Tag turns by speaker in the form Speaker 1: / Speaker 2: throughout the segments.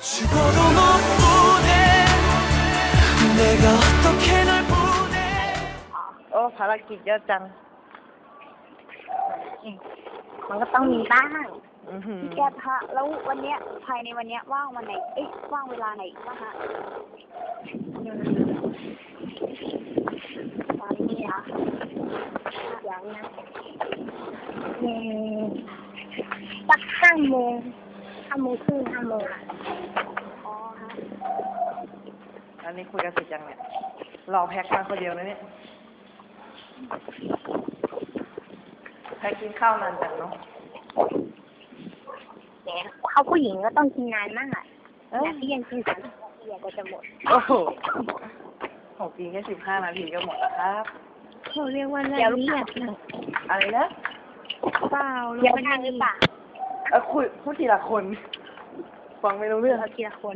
Speaker 1: 죽어도 못 보내 내가 어떻게 널 보내
Speaker 2: โอ้ภารกิจเยอะจัง
Speaker 3: มันก็ต้องมีบ้าง
Speaker 2: อือ
Speaker 3: แกพระแล้ววันเนี้ยภายในวันเนี้ยว่างวันไหนว่างเวลาไหนบ้างฮะตอนนี้อ่ะอย่างนะสัก5 โมงครึ่งอ่ะอ๋อฮะ
Speaker 2: อันนี้คุยกันเสร็จยังเนี่ยรอแพ็คมาคนเดียวนะเนี่ยแพ็คกินข้าวนานจังเนาะ
Speaker 3: เนี่ยเขาผู้หญิงก็ต้องกินนานมากแต่ที่ยังกิน3 นาทีก็จะหมด
Speaker 2: โอ้โหผมกินแค่15 นาทีก็หมดแล้วครับ
Speaker 4: เขาเรียกว่าละเอียดนะ
Speaker 2: อะไรนะ
Speaker 4: เปล่า
Speaker 3: เดี๋ยวทางหรือเปล่า
Speaker 2: คุยพูดทีละคนฟังไม่รู้เรื่อง
Speaker 3: เราทีละคน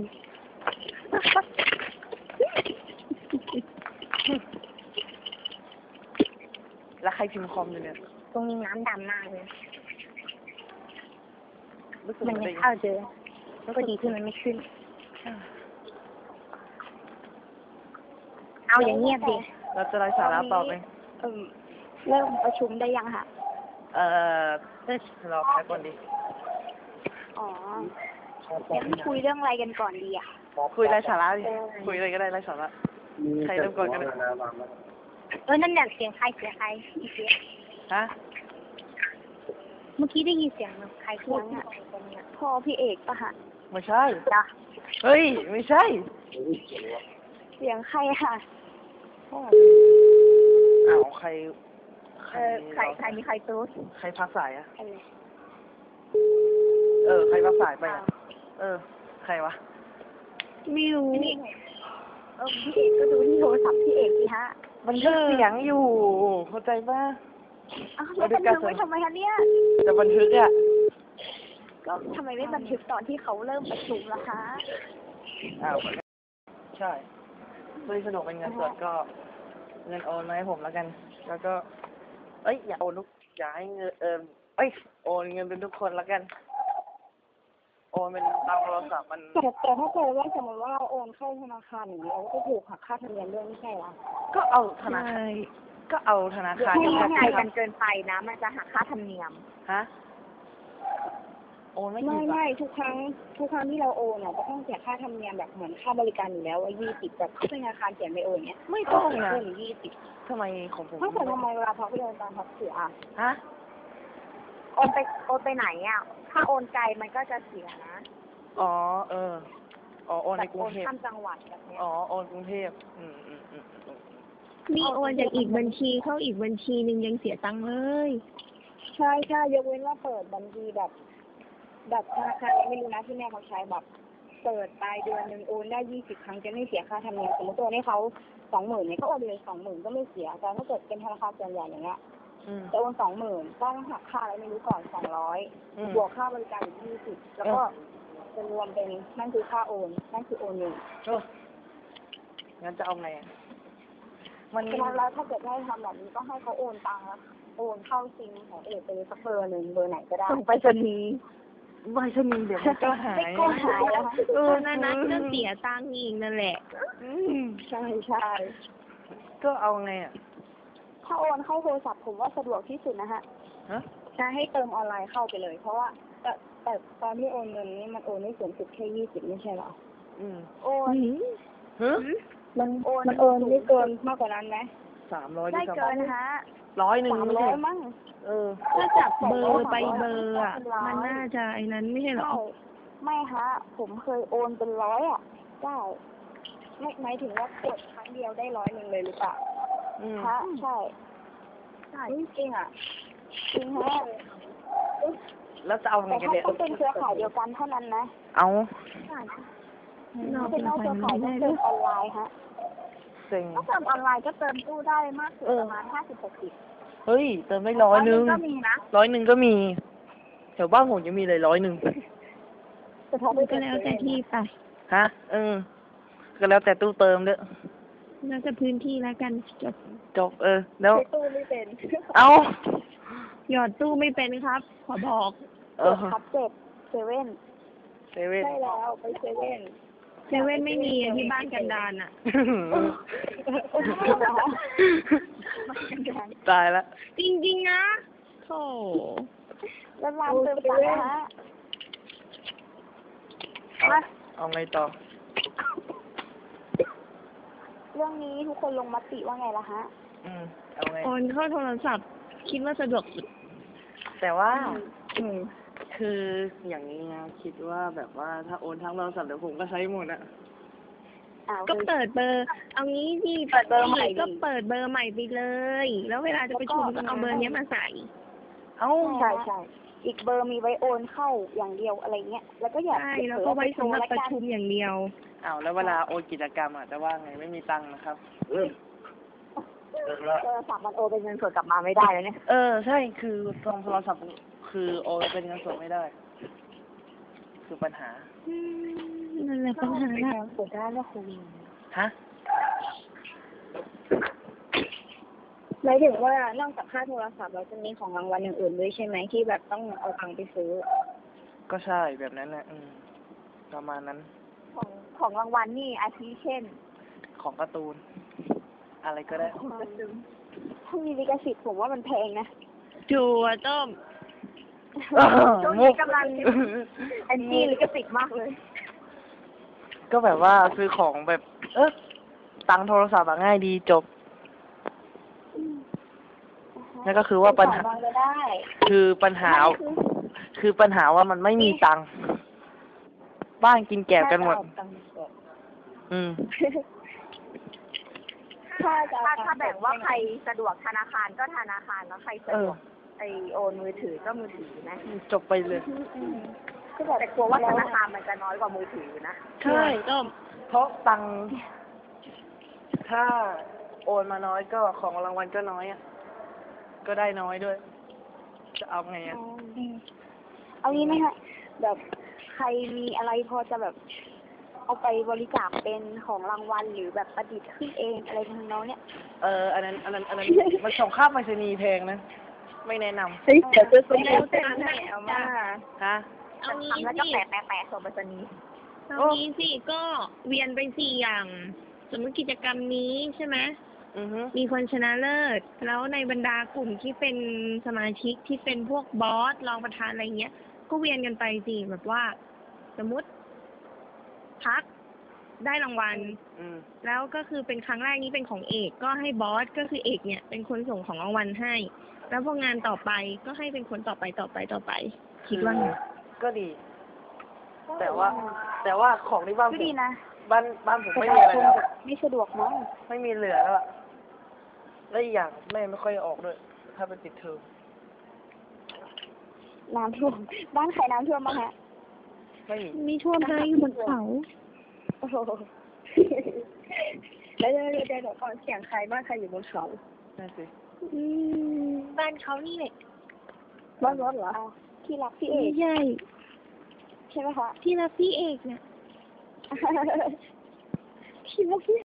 Speaker 2: แล้วใครพิมพ์คอมอยู่เนี่ย
Speaker 3: ตรงนี้น้ำดำมากเลย
Speaker 2: รู้สึก
Speaker 3: มัน
Speaker 2: ตัว
Speaker 3: ยั
Speaker 2: เอง ง
Speaker 3: เข้าเจอแล้วก็ดีขึ้นมันไม่ขึ้น เอาอย่างเงียบดิ
Speaker 2: เราจะไร้สาระต่อไป
Speaker 3: เริ่มประชุมได้ยังคะ
Speaker 2: รอแพ็คก่อนดิ
Speaker 3: อ๋องั้นคุยเรื่องอะไรกันก่อนดีอ่ะ
Speaker 2: คุยไร้สาระดิคุยอะไรก็ได้ไร้สาระใครเริ่มก่อนกัน
Speaker 3: นั่นแหละเสียงใครเสียงใครอีเสียง
Speaker 2: ฮะ
Speaker 3: เมื่อกี้ได้ยินเสียงใครพูดอ่ะพ่อพี่เอกปะฮะ
Speaker 2: ไม่ใช่
Speaker 3: จ้ะ
Speaker 2: เฮ้ยไม่ใช่
Speaker 3: เสียงใครค่ะ
Speaker 2: อ้าวใคร
Speaker 3: ใครมีใครตู้
Speaker 2: ใครพักสายอะ
Speaker 3: อะไร
Speaker 2: ใครพักสายไปอะใครวะ
Speaker 4: ไม่รู้
Speaker 3: พี่เอกก็ดูที่โทรศัพท์พี่เอกสิฮะ
Speaker 2: มันเสียงอยู่เข้าใจป่ะ
Speaker 3: แล้วบันทึกไว้ทำไมคะเนี่ย
Speaker 2: จะบันทึกอะ
Speaker 3: ก็ทำไมไม่บันทึกตอนที่เขาเริ่มประชุมล่ะคะ
Speaker 2: อ้าวใช่เพื่อสะดวกเป็นเงินสดก็เงินโอนมาให้ผมแล้วกัน แล้วก็อย่าโอนทุกอย่าให้เงินโอนเงินเป็นทุกคนแล้วกัน โอนเป็นตามโทรศัพท์มัน
Speaker 3: แต่ถ้าเกิดว่าสมมติว่าเราโอนเข้าธนาคารอย่างนี้เราก็ถูกหักค่าธรรมเนียมด้วยไม่ใช่หรอ
Speaker 2: ก็เอาธนา
Speaker 4: ใช่
Speaker 2: คารก็เอาธนาคาร
Speaker 3: ไม่
Speaker 2: กับ
Speaker 3: ง่าย
Speaker 2: แบ
Speaker 3: กันเกินไปนะมันจะหักค่าธรรมเนียม
Speaker 2: ฮะโอนไม่กี่บาท
Speaker 3: ไม่ทุกครั้งที่เราโอนอ่ะจะต้องเสียค่าธรรมเนียมแบบเหมือนค่าบริการอยู่แล้วว่า20แบบธนาคารเขียนไปโอนเนี้ย
Speaker 2: ไม่ต้องนะ
Speaker 3: เพิ่ม20
Speaker 2: ทำไมของผม
Speaker 3: ถ้าเกิดทำไมเวลาพักไปโอนตามพักเสีย
Speaker 2: ฮะ
Speaker 3: โอนไปไหนอ่ะถ้าโอนไกลมันก็จะเสียนะ
Speaker 2: อ๋อโอนในกรุงเทพ
Speaker 3: โอนข้ามจังหวัดแบบเนี้ย
Speaker 2: โอนกรุงเทพ
Speaker 4: มีโอนจากอีกบัญชีเข้าอีกบัญชีนึงยังเสียตังค์เลย
Speaker 3: ใช่ยกเว้นว่าเปิดบัญชีแบบธนาคารไม่รู้นะที่แม่เขาใช้แบบเปิดปลายเดือนนึงโอนได้20 ครั้งจะไม่เสียค่าธรรมเนียมสมมติตัวนี้เขา20,000เนี่ยก็โอนเลย20,000ก็ไม่เสียแต่ถ้าเกิดเป็นธนาคารส่วนใหญ่อย่างเงี้ยจะโอน20,000ต้องหักค่าอะไรไม่รู้ก่อน200บวกค่าบริการอีก20แล้วก็จะรวมเป็นนั่นคือค่าโอนนั่นคือโอนเงิน
Speaker 2: งั้นจะเอาไงมัน
Speaker 3: ฉะนั้นแล้วถ้าเกิดให้ทำแบบนี้ก็ให้เขาโอนตังค์แล้วโอนเข้าซิมของเอกไปเลยสักเบอร์หนึ่งเบอร์ไหนก็ได้
Speaker 2: ส่งไปรษณีย์เดี๋ยวมันก็หาย
Speaker 3: ก็หายแล้ว
Speaker 4: นั่นก็เสียตังค์อีกนั่นแหละ
Speaker 3: ใช่
Speaker 2: ก็เอาไงอ่ะ
Speaker 3: ถ้าโอนเข้าโทรศัพท์ผมว่าสะดวกที่สุดนะฮะใช่ให้เติมออนไลน์เข้าไปเลย เพราะว่าแต่ตอนที่โอนเงินนี้มันโอนได้สูงสุดแค่20ไม่ใช่หรอโอนมันโอนไม่เกินมากกว่านั้นไหม
Speaker 2: 300
Speaker 3: ได้เกินฮะ
Speaker 2: 100
Speaker 3: 300มั้ง
Speaker 4: ถ้าจับเบอร์ไปเบอร์อ่ะมันน่าจะไอ้นั้นไม่ใช่หรอ
Speaker 3: ไม่ฮะผมเคยโอนเป็น100อ่ะได้ไม่หมายถึงว่ากดครั้งเดียวได้100เลยหรือเปล่าฮะใช่จริงอ่ะจริงฮะ
Speaker 2: แล้วจะเอาไง
Speaker 3: แต่
Speaker 2: กัน
Speaker 3: ถ้า
Speaker 2: เนี่ย
Speaker 3: ต้องเป็นเครือข่ายเดียวกันเท่านั้นนะ
Speaker 2: เอา
Speaker 3: ถ้าเป็นนอกเครือข่ายต้องเติมออนไลน์ฮะ
Speaker 2: เซ็ง
Speaker 3: ถ้าเติมออนไลน์ก็เติมตู้ได้มากสุดประมาณ50-60
Speaker 2: เฮ้ยเติมได้100
Speaker 3: ก็มีนะ
Speaker 2: 100ก็มีแถวบ้านผมยังมีเลย100
Speaker 3: แต่ถ้าไม่
Speaker 4: ก็แล้วแต่ที่ไป
Speaker 2: ฮะก็แล้วแต่ตู้เติมเด้อ
Speaker 4: แล้วแต่พื้นที่แล้วกัน
Speaker 2: จบแล้ว
Speaker 3: ตู้ไม่เป็น
Speaker 2: เอา
Speaker 4: หยอดตู้ไม่เป็นครับ ขอบอก
Speaker 3: 7/7
Speaker 2: เซเว่น
Speaker 3: ใช่แล้วไปเซเว่น
Speaker 4: เซเว่นไม่มีที่บ้านกันดารอ่ะ
Speaker 2: ตายละ
Speaker 4: จริงๆนะโธ่
Speaker 3: แล้วร้านเติมตังค์นะฮะมา
Speaker 2: เอาไงต่อ
Speaker 3: เรื่องนี้ทุกคนลงมติว่าไงล่ะฮะ
Speaker 2: เอาไง
Speaker 4: โอนเข้าโทรศัพท์ คิดว่าสะดวกสุด
Speaker 2: แต่ว่า
Speaker 3: อืม
Speaker 2: คืออย่างนี้นะคิดว่าแบบว่าถ้าโอนทั้งโทรศัพท์เดี๋ยวผมก็ใช้หมดอะ
Speaker 3: อ้าว
Speaker 4: ก็เปิดเบอร์ เอางี้ดิ
Speaker 3: เปิดเบอร์ใหม่ดิ
Speaker 4: ก็เปิดเบอร์ใหม่ไปเลย แล้วเวลาจะประชุมก็เอาเบอร์เนี้ยมาใส่
Speaker 2: เอ้า
Speaker 3: ใช่ใช่อีกเบอร์มีไว้โอนเข้าอย่างเดียวอะไรเงี้ย แล้วก็อย่า
Speaker 4: ใช่ แล้วก็ไว้สำหรับประชุมอย่างเดียว
Speaker 2: เอาแล้วเวลาโอนกิจกรรมอะจะว่าไงไม่มีตังค์นะครับ
Speaker 3: โทรศัพท์มันโอนเป็นเงินสดกลับมาไม่ได้แล้วเนี่ย
Speaker 2: ใช่คือโทรศัพท์คือโอนเป็นเงินสดไม่ได้ คือปัญหา
Speaker 4: นั่นแหละปัญหาหลัก
Speaker 3: เปิดได้ก็คุย
Speaker 2: ฮะ
Speaker 3: หมายถึงว่านอกจากค่าโทรศัพท์เราจะมีของรางวัลอย่างอื่นด้วยใช่ไหมที่แบบต้องเอาตังค์ไปซื้อ
Speaker 2: ก็ใช่แบบนั้นนะประมาณนั้น
Speaker 3: ของรางวัลนี่อาทิเช่น
Speaker 2: ของการ์ตูน อะไรก็ได้
Speaker 3: ถ้ามีลิขสิทธิ์ผมว่ามันแพงนะ
Speaker 4: จัวต้ม
Speaker 3: ช่วงนี้กำลังแอนตี้ลิขสิทธิ์มากเลย
Speaker 2: ก็แบบว่าซื้อของแบบ ตังค์โทรศัพท์อะง่ายดีจบ นั่นก็คือว่าปัญหา
Speaker 3: ได้
Speaker 2: คือปัญหา คือปัญหาว่ามันไม่มีตังค์บ้านกินแกบกันหมด
Speaker 3: ถ้าแบ่งว่าใครสะดวกธนาคารก็ธนาคารแล้วใครสะดวกไอโอนมือถือก็มือถือนะ
Speaker 2: จบไปเลย
Speaker 3: แต่กลัวว่าธนาคารมันจะน้อยกว่ามือถือนะ
Speaker 4: ใช่ต้ม
Speaker 2: เพราะตังค์ถ้าโอนมาน้อยก็ของรางวัลก็น้อยอ่ะ ก็ได้น้อยด้วย จะเอาไงอ่ะ
Speaker 3: เอางี้ไหมฮะแบบใครมีอะไรพอจะแบบ เอาไปบริจาคเป็นของรางวัลหรือแบบประดิษฐ์ขึ้นเองอะไรทำนองเนี้ย
Speaker 2: อันนั้น มันส่งค่าไปรษณีย์แพงนะ ไม่แนะน
Speaker 3: เฮ้ยเดี๋ยวจะซื้อ
Speaker 4: แล้วแต่ไหนเอามา
Speaker 2: ำฮะ
Speaker 4: เอางี้
Speaker 3: ทำแล้วก็
Speaker 4: สิ
Speaker 3: แปะส่งไปรษณีย์
Speaker 4: เอางี้สิก็เวียนไปสี่อย่าง สมมติกิจกรรมนี้ใช่ไหม
Speaker 2: อือฮึ
Speaker 4: มีคนชนะเลิศ แล้วในบรรดากลุ่มที่เป็นสมาชิกที่เป็นพวกบอสรองประธานอะไรเงี้ย ก็เวียนกันไปสิแบบว่า สมมติพักได้รางวัล แล้วก็คือเป็นครั้งแรกนี้เป็นของเอก ก็ให้บอสก็คือเอกเนี่ย เป็นคนส่งของรางวัลให้ แล้วพองานต่อไปก็ให้เป็นคนต่อไป คิดว่าไง
Speaker 2: ก็ดี แต่ว่าของที่บ้านผ
Speaker 3: ก็
Speaker 2: ม
Speaker 3: ดีนะ
Speaker 2: บ้านผมไม่มีอะไรแล้ว
Speaker 3: ไม่สะดวกมั้ง
Speaker 2: ไม่มีเหลือแล้วอะแล้วอีกอย่างแม่ไม่ค่อยออกด้วย ถ้าเป็นติดเทอม
Speaker 3: น้ำท่วมบ้านใครน้ำท่วมบ้างฮะ
Speaker 2: ไม่มี
Speaker 4: มีท่วมได้อยู่บนเขา
Speaker 3: โอ้โหแล้วเดี๋ยวก่อนเสียงใครบ้านใครอยู่บนเขา
Speaker 2: นั่นสิ
Speaker 4: บ้านเขานี่แหละ
Speaker 3: บ้านรถเหรอที่รักพี่เอ
Speaker 4: ไม่
Speaker 3: ก
Speaker 4: ใช่
Speaker 3: ใช่ไหมคะ
Speaker 4: ที่รักพี่เอกเนี่ย
Speaker 3: ที่รักพี่